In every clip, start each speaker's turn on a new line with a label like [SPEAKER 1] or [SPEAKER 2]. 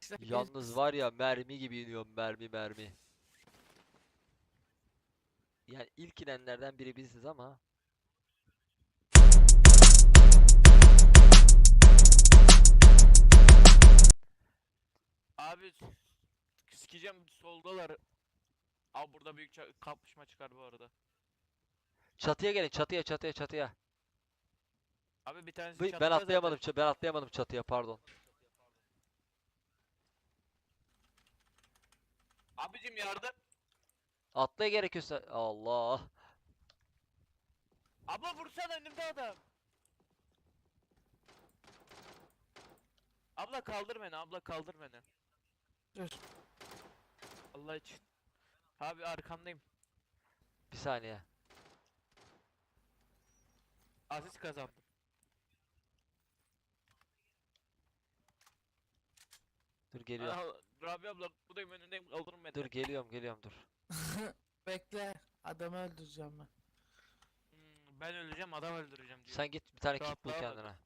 [SPEAKER 1] Yalnız var ya, mermi gibi iniyorum, mermi. Yani ilk inenlerden biri biziz ama.
[SPEAKER 2] Abi sikeceğim, soldalar. Abi burada büyük kapışma çıkar bu arada.
[SPEAKER 1] Çatıya gelin, çatıya.
[SPEAKER 2] Abi bir tanesi
[SPEAKER 1] Ben
[SPEAKER 2] çatıda zaten.
[SPEAKER 1] atlayamadım, ben atlayamadım çatıya, pardon.
[SPEAKER 2] Abicim yardım.
[SPEAKER 1] Atlaya gerekiyorsa. Allah.
[SPEAKER 2] Abla vursana, önümde adam. Abla kaldır beni, abla kaldır beni.
[SPEAKER 3] Dur.
[SPEAKER 2] Allah için. Abi arkandayım.
[SPEAKER 1] Bir saniye.
[SPEAKER 2] Asist kazandım.
[SPEAKER 1] Dur geliyorum.
[SPEAKER 2] Rabia abla buradayım, önündeyim, kaldırın beni.
[SPEAKER 1] Dur geliyorum dur.
[SPEAKER 3] Bekle. Adamı öldüreceğim ben.
[SPEAKER 2] Ben öleceğim, adam öldüreceğim diyor.
[SPEAKER 1] Sen git bir tane kit bul
[SPEAKER 2] Rahatlığa bak.
[SPEAKER 1] kendine.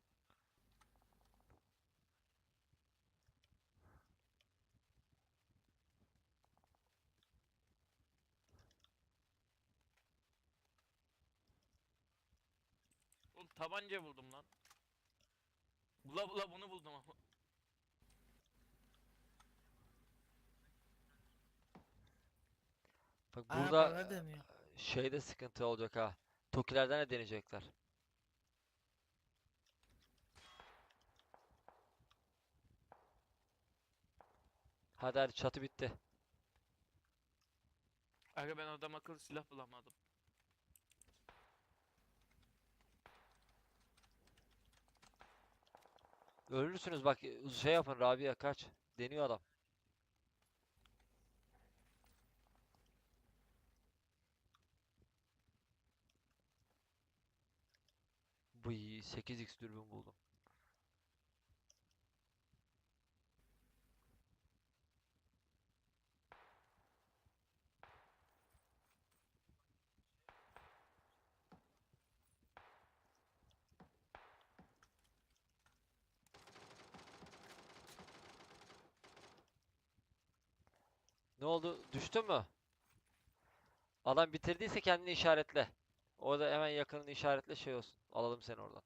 [SPEAKER 2] Oğlum tabanca buldum lan. Bula bunu buldum ama.
[SPEAKER 1] Bak
[SPEAKER 3] Aa,
[SPEAKER 1] burada
[SPEAKER 3] bana deniyor.
[SPEAKER 1] şeyde sıkıntı olacak ha. Tokilerden de deneyecekler. Hadi çatı bitti.
[SPEAKER 2] Aga ben adam akıllı silah bulamadım.
[SPEAKER 1] Ölürsünüz bak, şey yapın, Rabia kaç. Deniyor adam. Bu 8x dürbün buldum. Ne oldu? Düştün mü? Adam bitirdiyse kendini işaretle. Orada hemen yakınını işaretle, şey olsun. Alalım seni oradan.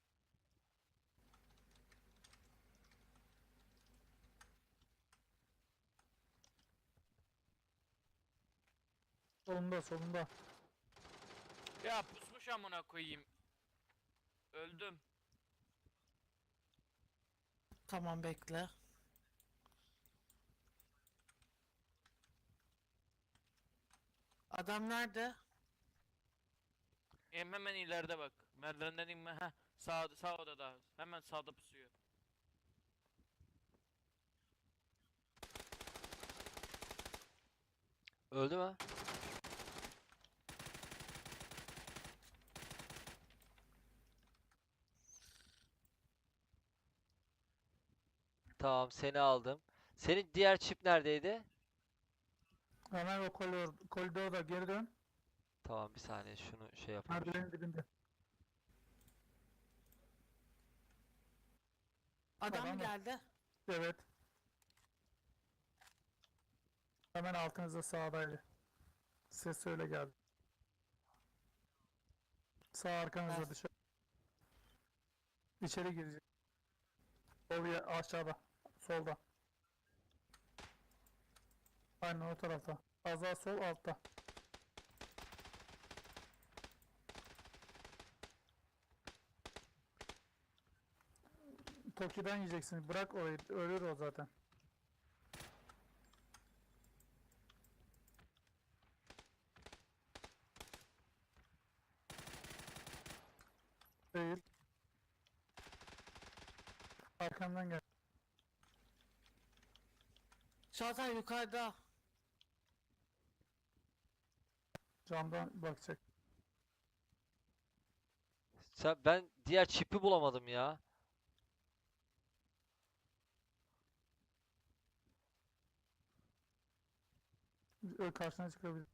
[SPEAKER 4] Solunda.
[SPEAKER 2] Ya pusmuş amına koyayım. Öldüm.
[SPEAKER 3] Tamam bekle. Adam nerede?
[SPEAKER 2] Hemen ileride bak. Merdivenden inme. Heh. Sağ odada. Hemen sağda pusuyor.
[SPEAKER 1] Öldü mü? Tamam, seni aldım. Senin diğer çip neredeydi?
[SPEAKER 4] Hemen o koridorda geri dön.
[SPEAKER 1] Tamam, bir saniye şunu şey yapayım.
[SPEAKER 4] Merdivenin dibinde.
[SPEAKER 3] Adam
[SPEAKER 4] Adam mı?
[SPEAKER 3] geldi.
[SPEAKER 4] Evet. Hemen altınızda sağdaydı. Ses öyle geldi. Sağ arkanızda
[SPEAKER 3] Ver.
[SPEAKER 4] dışarı. İçeri girecek. Oraya aşağıda. Solda. Aynen o tarafta. Az daha sol altta. Toki'den yiyeceksin. Bırak orayı. Ölür o zaten. Değil. Arkamdan gel.
[SPEAKER 3] Çağatay yukarıda.
[SPEAKER 4] Camdan bakacak.
[SPEAKER 1] Ben diğer çipi bulamadım ya.
[SPEAKER 4] Karşına çıkabilir.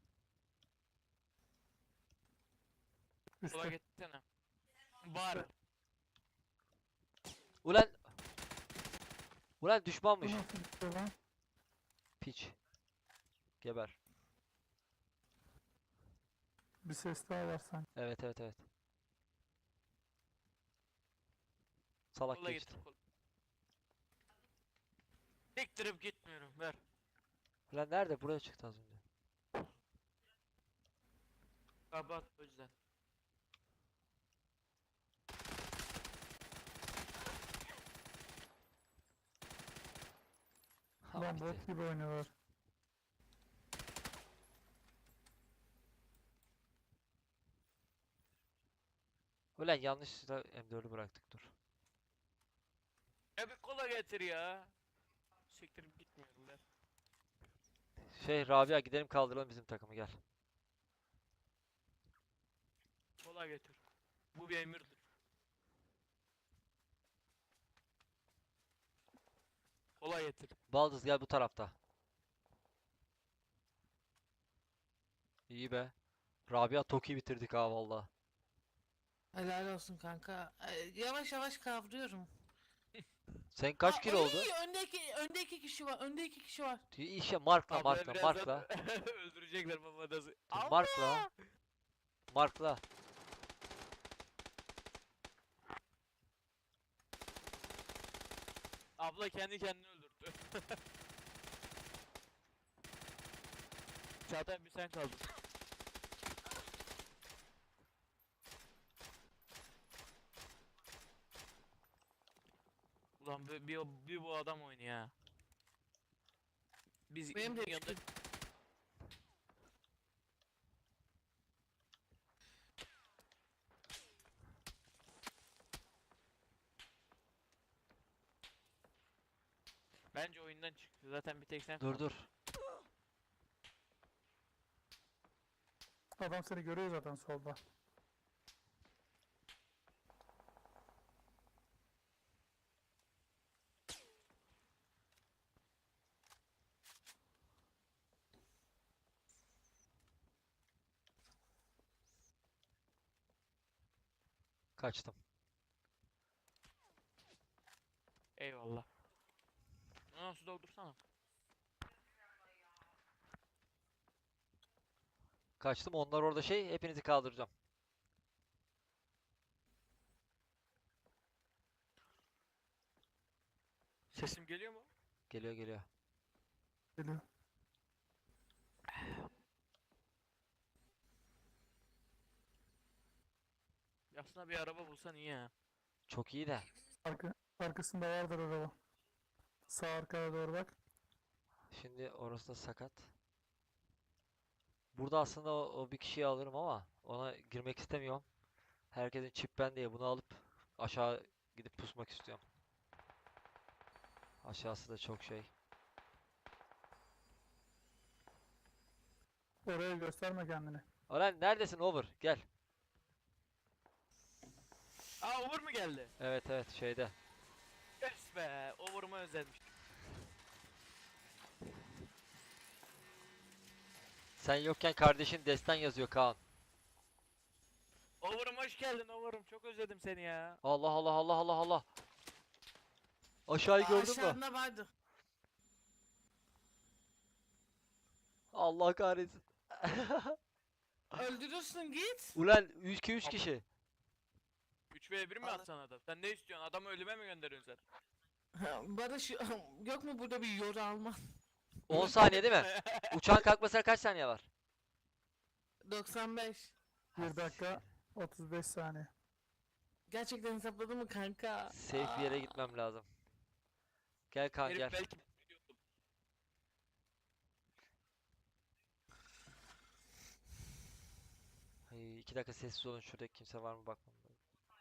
[SPEAKER 2] Sola
[SPEAKER 4] Üstte.
[SPEAKER 2] gitsene. Var.
[SPEAKER 1] Ulan Ulan
[SPEAKER 4] Bu
[SPEAKER 1] düşmanmış.
[SPEAKER 4] nasıl bir şey lan?
[SPEAKER 1] Piç. Geber.
[SPEAKER 4] Bir ses daha var sanki.
[SPEAKER 1] Evet evet evet. Salak
[SPEAKER 2] Kola
[SPEAKER 1] geçti.
[SPEAKER 2] getir kola. Siktirip gitmiyorum ver.
[SPEAKER 1] Ulan nerede? Buraya çıktı az önce.
[SPEAKER 2] Kapat o yüzden.
[SPEAKER 1] Ha,
[SPEAKER 4] Lan
[SPEAKER 1] bitti.
[SPEAKER 4] bot gibi oynuyorlar.
[SPEAKER 1] Ulan yanlışlıkla M4'ü bıraktık dur.
[SPEAKER 2] Ya bir kola getir ya. Siktirip gitmiyorum ver.
[SPEAKER 1] Rabia gidelim kaldıralım bizim takımı gel.
[SPEAKER 2] Kola getir. Bu bir emirdir. Kola getir.
[SPEAKER 1] Baldız gel bu tarafta. İyi be. Rabia Toki bitirdik ha valla.
[SPEAKER 3] Helal olsun kanka. Yavaş yavaş kavruyorum.
[SPEAKER 1] Sen kaç
[SPEAKER 3] Aa,
[SPEAKER 1] kilo oldu?
[SPEAKER 3] Önde iki kişi var. Önde iki kişi var.
[SPEAKER 1] İşte markla
[SPEAKER 2] Abla
[SPEAKER 1] markla
[SPEAKER 2] birazdan
[SPEAKER 1] markla.
[SPEAKER 2] öldürecekler babadası.
[SPEAKER 1] Dur, markla. Markla.
[SPEAKER 2] Abla kendi kendini öldürdü. Çağatay bir sen kaldın. Ulan bir bu adam oynuyor ya. Biz
[SPEAKER 3] Benim de
[SPEAKER 2] bunun yanında bence oyundan çıktı. Zaten bir tek sen
[SPEAKER 1] Dur
[SPEAKER 2] kaldın.
[SPEAKER 1] dur.
[SPEAKER 4] Adam seni görüyor zaten solda.
[SPEAKER 1] Kaçtım.
[SPEAKER 2] Eyvallah. Su doldursana.
[SPEAKER 1] Kaçtım. Onlar orada hepinizi kaldıracağım.
[SPEAKER 2] Sesim geliyor mu?
[SPEAKER 1] Geliyor geliyor.
[SPEAKER 4] Geliyor.
[SPEAKER 2] Aslında bir araba bulsan iyi ya.
[SPEAKER 1] Çok iyi de.
[SPEAKER 4] Arkasında vardır araba. Sağ arkaya doğru bak.
[SPEAKER 1] Şimdi orası da sakat. Burada aslında o bir kişiyi alırım ama ona girmek istemiyorum. Herkesin çip ben diye bunu alıp aşağı gidip pusmak istiyorum. Aşağısı da çok şey.
[SPEAKER 4] Oraya gösterme kendini.
[SPEAKER 1] Ulan neredesin Over? Gel.
[SPEAKER 2] Aa Uğur mu geldi?
[SPEAKER 1] Evet evet şeyde.
[SPEAKER 2] Yes be. Uğur'umu özlemiş.
[SPEAKER 1] Sen yokken kardeşin destan yazıyor Kaan.
[SPEAKER 2] Uğur'um hoş geldin Uğur'um. Çok özledim seni ya.
[SPEAKER 1] Allah Allah Allah Allah Allah. Aşağıyı gördün mü?
[SPEAKER 3] Aşağında vardı.
[SPEAKER 1] Allah kahretsin.
[SPEAKER 3] Öldürürsün git.
[SPEAKER 1] Ulan 3 kişi.
[SPEAKER 2] 3v1 mi
[SPEAKER 3] Al.
[SPEAKER 2] atsan adam? Sen ne istiyorsun? Adamı ölüme mi gönderiyorsun sen?
[SPEAKER 3] Barış yok mu burada bir yoru alman?
[SPEAKER 1] 10 saniye değil mi? Uçağın kalkmasına kaç saniye var?
[SPEAKER 3] 95.
[SPEAKER 4] 1 dakika 35 saniye.
[SPEAKER 3] Gerçekten hesapladın mı kanka?
[SPEAKER 1] Safe bir yere gitmem lazım. Gel Kaan
[SPEAKER 2] Herif
[SPEAKER 1] gel.
[SPEAKER 2] belki
[SPEAKER 1] Ay, 2 dakika sessiz olun, şurada kimse var mı bakmam lazım.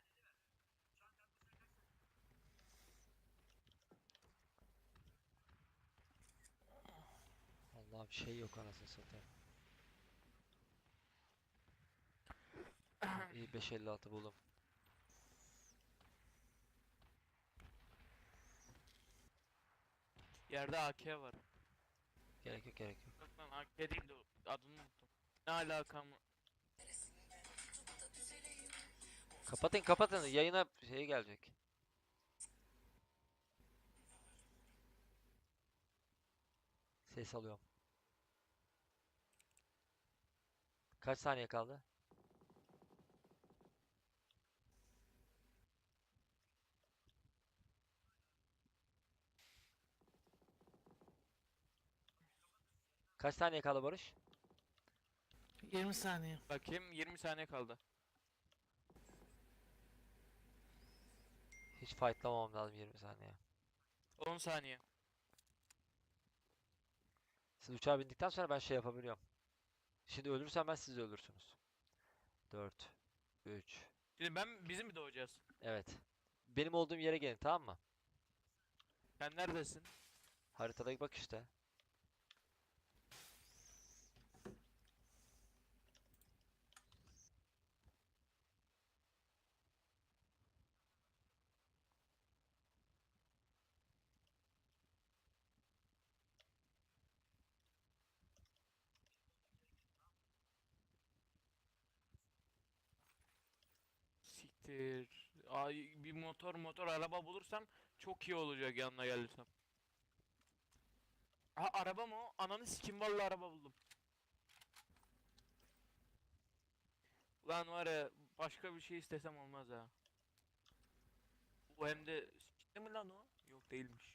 [SPEAKER 1] Allah bir şey yok anasını satayım. İyi 556 buldum.
[SPEAKER 2] yerde AK var.
[SPEAKER 1] Gerek yok gerek yok.
[SPEAKER 2] Yok lan AK değil de adını unuttum. Ne alaka mı?
[SPEAKER 1] Kapatın kapatın, yayına gelecek. Ses alıyorum. Kaç saniye kaldı? Kaç saniye kaldı Barış?
[SPEAKER 3] 20 saniye.
[SPEAKER 2] Bakayım 20 saniye kaldı.
[SPEAKER 1] Hiç fightlamamam lazım 20 saniye.
[SPEAKER 2] 10 saniye.
[SPEAKER 1] Siz uçağa bindikten sonra ben şey yapabiliyorum. Şimdi ölürsem ben siz de ölürsünüz. 4 3
[SPEAKER 2] Şimdi bizim mi doğacağız?
[SPEAKER 1] Evet. Benim olduğum yere gelin, tamam mı?
[SPEAKER 2] Sen neredesin?
[SPEAKER 1] Haritada bak işte.
[SPEAKER 2] Siktir. Ay, bir motor araba bulursam çok iyi olacak yanına gelirsem. Ha, araba mı o? Ananı sikim, vallahi araba buldum. Lan var ya, başka bir şey istesem olmaz ha. Bu hem de sikti mi lan o? Yok, değilmiş.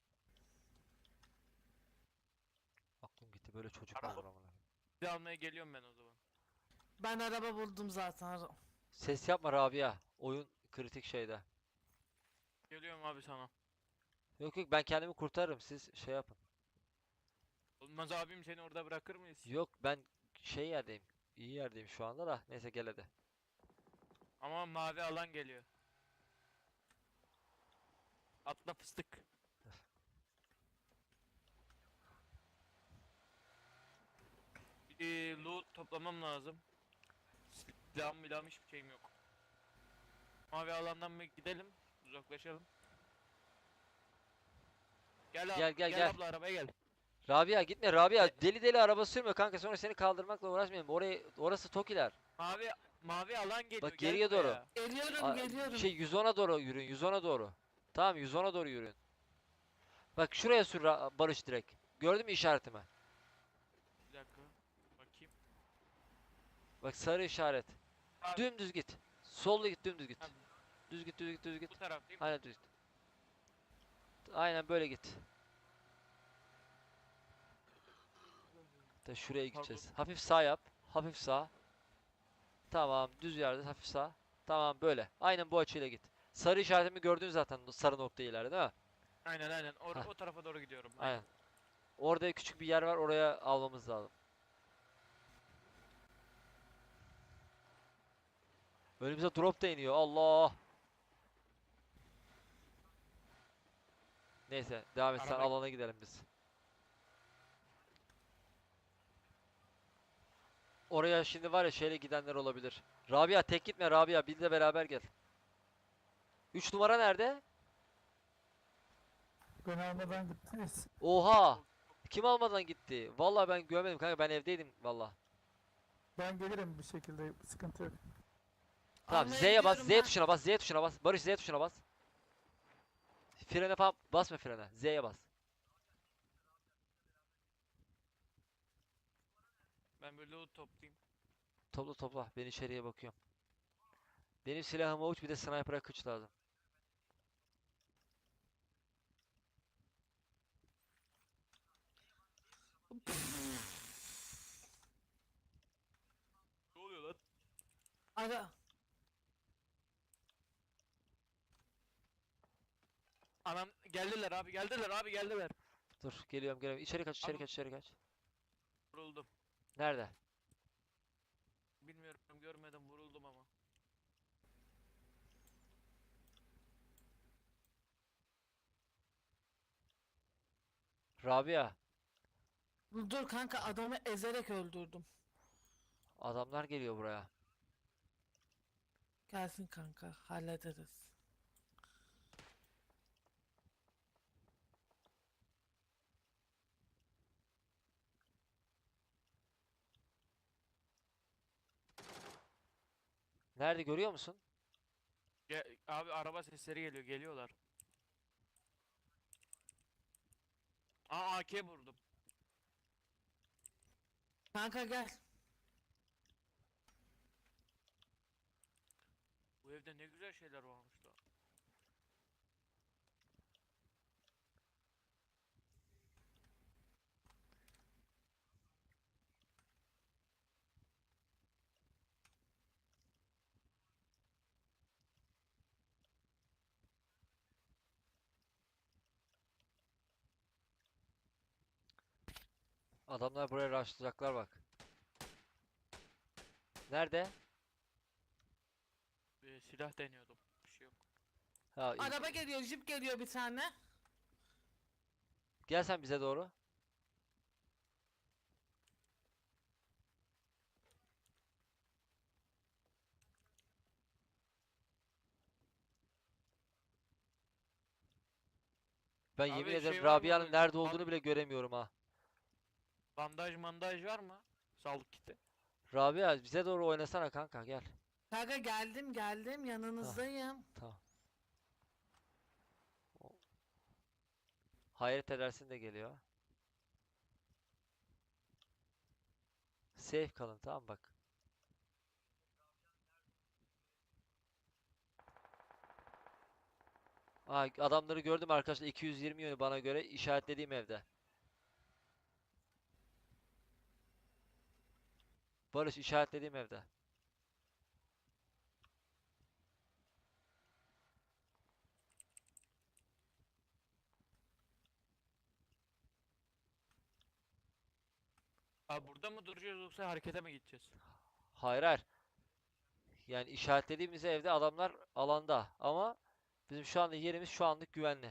[SPEAKER 1] Aklım gitti, böyle çocuk mu
[SPEAKER 2] Araba-
[SPEAKER 1] olur amına.
[SPEAKER 2] Bir de almaya geliyorum ben o zaman.
[SPEAKER 3] Ben araba buldum zaten.
[SPEAKER 1] Ses yapma Rabia. Oyun kritik şeyde.
[SPEAKER 2] Geliyorum abi sana.
[SPEAKER 1] Yok yok, ben kendimi kurtarırım, siz şey yapın.
[SPEAKER 2] Olmaz abim, seni orada bırakır mıyız?
[SPEAKER 1] Yok, ben şey yerdeyim. İyi yerdeyim şu anda da. Neyse, gel hadi.
[SPEAKER 2] Ama mavi alan geliyor. Atla fıstık. Bir loot toplamam lazım. Silahım hiçbir şeyim yok. Mavi alandan bir gidelim. Uzaklaşalım. Gel abi,
[SPEAKER 1] Gel.
[SPEAKER 2] abla, arabaya gel.
[SPEAKER 1] Rabia gitme Rabia. Deli deli araba sürme kanka, sonra seni kaldırmakla uğraşmayalım. Orası Tokiler.
[SPEAKER 2] Mavi alan geliyor.
[SPEAKER 1] Bak,
[SPEAKER 2] gel
[SPEAKER 1] geriye doğru.
[SPEAKER 2] buraya.
[SPEAKER 3] Geliyorum geliyorum.
[SPEAKER 1] Şey 110'a doğru yürüyün, 110'a doğru. Tamam, 110'a doğru yürüyün. Bak şuraya sür Barış direkt. Gördün mü işaretimi?
[SPEAKER 2] Bir dakika. Bakayım.
[SPEAKER 1] Bak, sarı işaret.
[SPEAKER 2] Abi,
[SPEAKER 1] Dümdüz git. Solda git, dümdüz git.
[SPEAKER 2] Abi.
[SPEAKER 1] Düz git, düz git, düz git.
[SPEAKER 2] bu taraftayım.
[SPEAKER 1] Aynen düz git. Aynen böyle git. Da şuraya gideceğiz. Hafif sağ yap. Hafif sağ. Tamam, düz yerde hafif sağ. Tamam, böyle. Aynen bu açıyla git. Sarı işaretimi gördün zaten, sarı nokta ileride değil mi?
[SPEAKER 2] Aynen.
[SPEAKER 1] Hah.
[SPEAKER 2] O tarafa doğru gidiyorum.
[SPEAKER 1] Aynen. Orada küçük bir yer var, oraya almamız lazım. Önümüze drop da iniyor. Allah. Neyse, devam et sen,
[SPEAKER 2] Araba-
[SPEAKER 1] alana gidelim biz. Oraya şimdi var ya, şeyle gidenler olabilir. Rabia tek gitme Rabia, biz de beraber gel. 3 numara nerede?
[SPEAKER 4] Beni almadan gittiniz.
[SPEAKER 1] Oha! Kim almadan gitti? Vallahi ben görmedim kanka, ben evdeydim vallahi.
[SPEAKER 4] Ben gelirim bir şekilde, sıkıntı yok.
[SPEAKER 1] Tamam,
[SPEAKER 3] Almaya
[SPEAKER 1] Z'ye bas,
[SPEAKER 3] gidiyorum
[SPEAKER 1] Z
[SPEAKER 3] ben.
[SPEAKER 1] tuşuna bas, Z tuşuna bas. Barış, Z tuşuna bas. Frene falan basma, frene. Z'ye bas.
[SPEAKER 2] Ben böyle loot toplayayım.
[SPEAKER 1] Topla, ben içeriye bakıyorum. Benim silahıma uç, bir de sniper'a kıç lazım.
[SPEAKER 2] Ne oluyor lan?
[SPEAKER 3] Ara.
[SPEAKER 2] Anam, geldiler abi, geldiler.
[SPEAKER 1] Dur, geliyorum. İçeri kaç, içeri
[SPEAKER 2] Abi-
[SPEAKER 1] kaç, içeri kaç.
[SPEAKER 2] Vuruldum.
[SPEAKER 1] Nerede?
[SPEAKER 2] Bilmiyorum, görmedim, vuruldum ama.
[SPEAKER 1] Rabia.
[SPEAKER 3] Dur kanka, adamı ezerek öldürdüm.
[SPEAKER 1] Adamlar geliyor buraya.
[SPEAKER 3] Gelsin kanka, hallederiz.
[SPEAKER 1] Nerede, görüyor musun?
[SPEAKER 2] Abi, araba sesleri geliyorlar. Aa, AK vurdum.
[SPEAKER 3] Kanka gel.
[SPEAKER 2] Bu evde ne güzel şeyler varmış da.
[SPEAKER 1] Adamlar buraya rushlayacaklar bak. Nerede?
[SPEAKER 2] Silah deniyordum. Bir şey yok.
[SPEAKER 1] Ha, iyi.
[SPEAKER 3] Araba geliyor, jip geliyor bir tane.
[SPEAKER 1] Gel sen bize doğru. Ben yemin
[SPEAKER 2] Abi
[SPEAKER 1] ederim
[SPEAKER 2] şey var mı
[SPEAKER 1] Rabia'nın
[SPEAKER 2] böyle?
[SPEAKER 1] nerede olduğunu bile göremiyorum ha.
[SPEAKER 2] Bandaj mandaj var mı? Sağlık kiti.
[SPEAKER 1] Rabia bize doğru oynasana kanka gel.
[SPEAKER 3] Kanka geldim
[SPEAKER 1] Ha,
[SPEAKER 3] yanınızdayım.
[SPEAKER 1] tamam. O- Hayret edersin de geliyor. Safe kalın tamam bak. Aa, adamları gördüm arkadaşlar 220 yönü bana göre işaretlediğim evde. Barış işaretlediğim evde.
[SPEAKER 2] Abi burada mı duracağız yoksa harekete mi gideceğiz?
[SPEAKER 1] Hayır hayır. Yani işaretlediğimiz evde adamlar alanda ama bizim şu anda yerimiz şu anlık güvenli.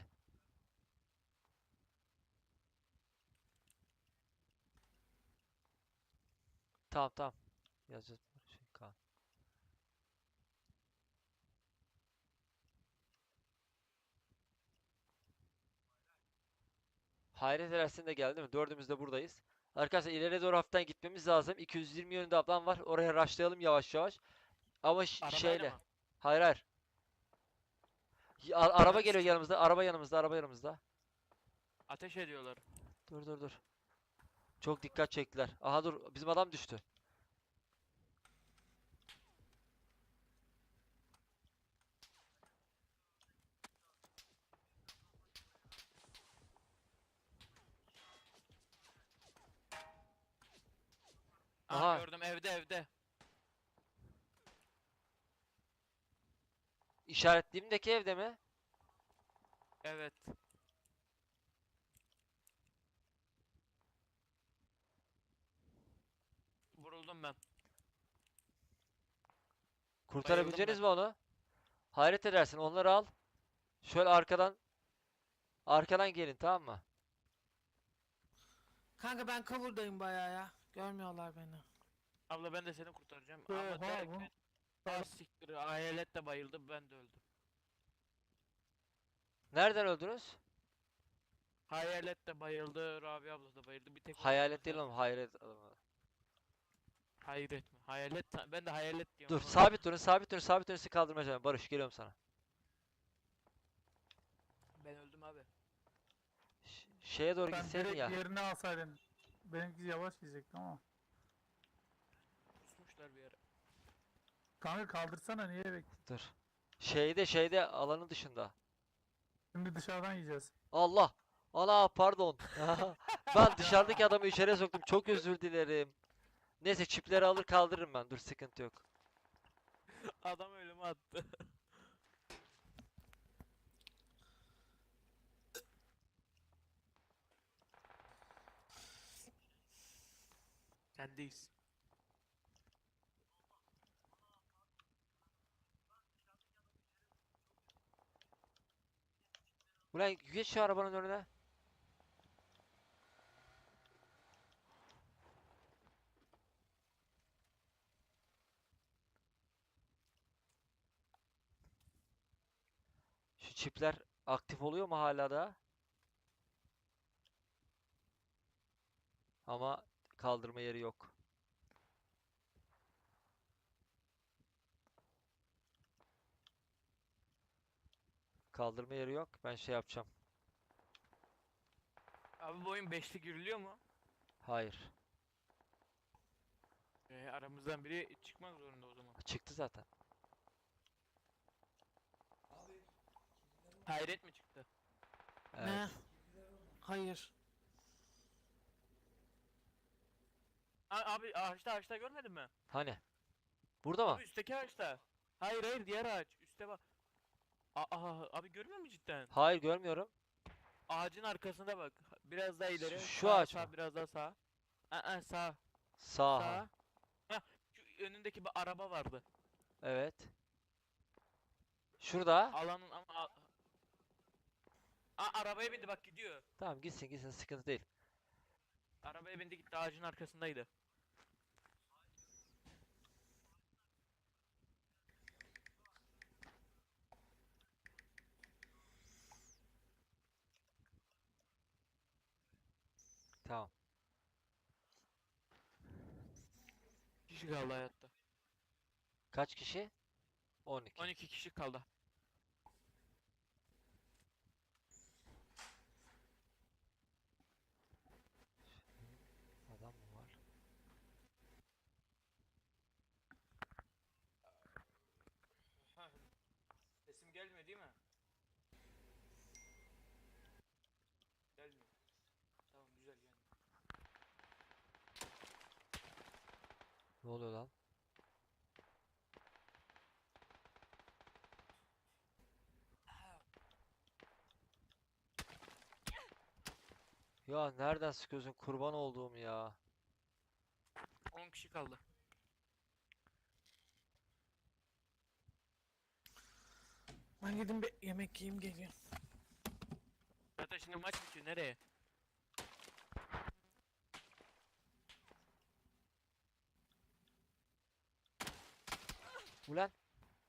[SPEAKER 1] Tamam tamam. Yazacağız. Şey, Kaan. Hayret edersin de geldi mi? Dördümüz de buradayız. Arkadaşlar ileriye doğru hafiften gitmemiz lazım. 220 yönünde ablam var. Oraya rushlayalım yavaş yavaş. Ama
[SPEAKER 2] Arabayla
[SPEAKER 1] şeyle.
[SPEAKER 2] mı?
[SPEAKER 1] Hayır hayır. Araba
[SPEAKER 2] Ananı
[SPEAKER 1] geliyor
[SPEAKER 2] sikeyim.
[SPEAKER 1] yanımızda. Araba yanımızda. Araba yanımızda.
[SPEAKER 2] Ateş ediyorlar.
[SPEAKER 1] Dur dur dur. Çok dikkat çektiler. Aha dur. Bizim adam düştü.
[SPEAKER 2] Aha
[SPEAKER 1] Aha.
[SPEAKER 2] gördüm evde.
[SPEAKER 1] İşaretlediğimdeki evde mi?
[SPEAKER 2] Evet. Vuruldum ben.
[SPEAKER 1] Kurtarabileceğiniz
[SPEAKER 2] ben.
[SPEAKER 1] mi onu? Hayret edersin. Onları al. Şöyle arkadan gelin tamam mı?
[SPEAKER 3] Kanka ben cover'dayım bayağı ya. Görmüyorlar beni.
[SPEAKER 2] Abla ben de seni kurtaracağım.
[SPEAKER 4] Oha,
[SPEAKER 2] Ama
[SPEAKER 4] bu-
[SPEAKER 2] derken az siktir. Hayalet de bayıldı ben de öldüm.
[SPEAKER 1] Nereden öldünüz?
[SPEAKER 2] Hayalet de bayıldı. Rabia abla da bayıldı. Bir tek
[SPEAKER 1] Hayalet değil oğlum. Hayret.
[SPEAKER 2] Hayret mi? Hayalet. Ben de hayalet diyorum
[SPEAKER 1] Dur.
[SPEAKER 2] ama.
[SPEAKER 1] Sabit durun. Sabit durun. Sabit durun. Sizi kaldırmayacağım. Barış geliyorum sana.
[SPEAKER 2] Ben öldüm abi.
[SPEAKER 1] Şeye doğru
[SPEAKER 4] Sen
[SPEAKER 1] gitseydin
[SPEAKER 4] direkt
[SPEAKER 1] ya.
[SPEAKER 4] yerine alsaydın. Benimki yavaş gidecekti ama.
[SPEAKER 2] Kusmuşlar bir yere.
[SPEAKER 4] Kanka kaldırsana niye
[SPEAKER 1] Dur. Şeyde alanın dışında.
[SPEAKER 4] Şimdi dışarıdan yiyeceğiz.
[SPEAKER 1] Allah. Ana pardon. Ben dışarıdaki adamı içeriye soktum. Çok özür dilerim. Neyse çipleri alır kaldırırım ben. Dur sıkıntı yok.
[SPEAKER 2] Adam ölüme attı. Sendeyiz.
[SPEAKER 1] Ulan geç şu arabanın önüne. Şu çipler aktif oluyor mu hala da? Ama kaldırma yeri yok. Kaldırma yeri yok. Ben şey yapacağım.
[SPEAKER 2] Abi bu oyun 5'li giriliyor mu?
[SPEAKER 1] Hayır.
[SPEAKER 2] Aramızdan biri çıkmak zorunda o zaman.
[SPEAKER 1] Çıktı zaten.
[SPEAKER 2] Hayret mi çıktı?
[SPEAKER 1] Evet.
[SPEAKER 3] Ne? Hayır.
[SPEAKER 2] Abi ağaçta görmedin mi?
[SPEAKER 1] Hani? Burada mı?
[SPEAKER 2] Abi üstteki ağaçta. Hayır diğer ağaç. Üste bak. Abi görmüyor musun cidden?
[SPEAKER 1] Hayır, görmüyorum.
[SPEAKER 2] Ağacın arkasında bak. Biraz daha ileri.
[SPEAKER 1] Şu
[SPEAKER 2] Sağa,
[SPEAKER 1] ağaç
[SPEAKER 2] sağa,
[SPEAKER 1] mı?
[SPEAKER 2] biraz daha sağa. Sağ.
[SPEAKER 1] Sağ.
[SPEAKER 2] Sağa. Hah, şu önündeki bir araba vardı.
[SPEAKER 1] Evet. Şurada.
[SPEAKER 2] Alanın ama arabaya bindi bak gidiyor.
[SPEAKER 1] Tamam, gitsin gitsin, sıkıntı değil.
[SPEAKER 2] Arabaya bindi gitti ağacın arkasındaydı.
[SPEAKER 1] Tamam.
[SPEAKER 2] Kişi kaldı hayatta.
[SPEAKER 1] Kaç kişi? 12.
[SPEAKER 2] 12 kişi kaldı.
[SPEAKER 1] Adam mı var?
[SPEAKER 2] Sesim gelmiyor değil mi? Gelmiyor. Tamam güzel yani.
[SPEAKER 1] Ne oluyor lan? Ya nereden sıkıyorsun, kurban olduğum ya.
[SPEAKER 2] 10 kişi kaldı.
[SPEAKER 3] Ben gidin bir yemek yiyeyim geliyorum.
[SPEAKER 2] Zaten şimdi maç bitiyor nereye?
[SPEAKER 1] Ulan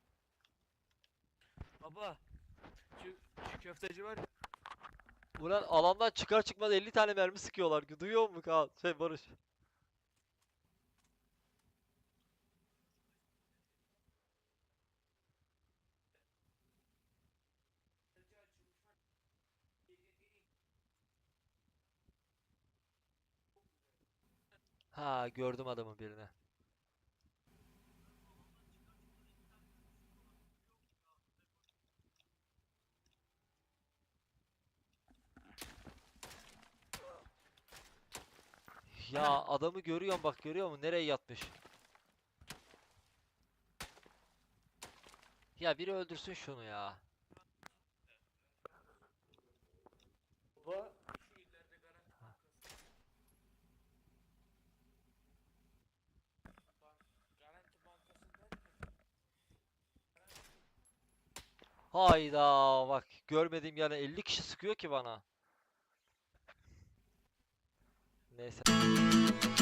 [SPEAKER 2] Baba şu köfteci var ya.
[SPEAKER 1] ulan alandan çıkar çıkmaz 50 tane mermi sıkıyorlar. Duyuyor musun Kaan? Barış. Ha, gördüm adamın birini. Ya adamı görüyorum, bak görüyor musun? Nereye yatmış? Ya biri öldürsün şunu ya.
[SPEAKER 2] Baba şu ileride garanti Garanti bankasından
[SPEAKER 1] Hayda, bak görmediğim yani 50 kişi sıkıyor ki bana. Neyse.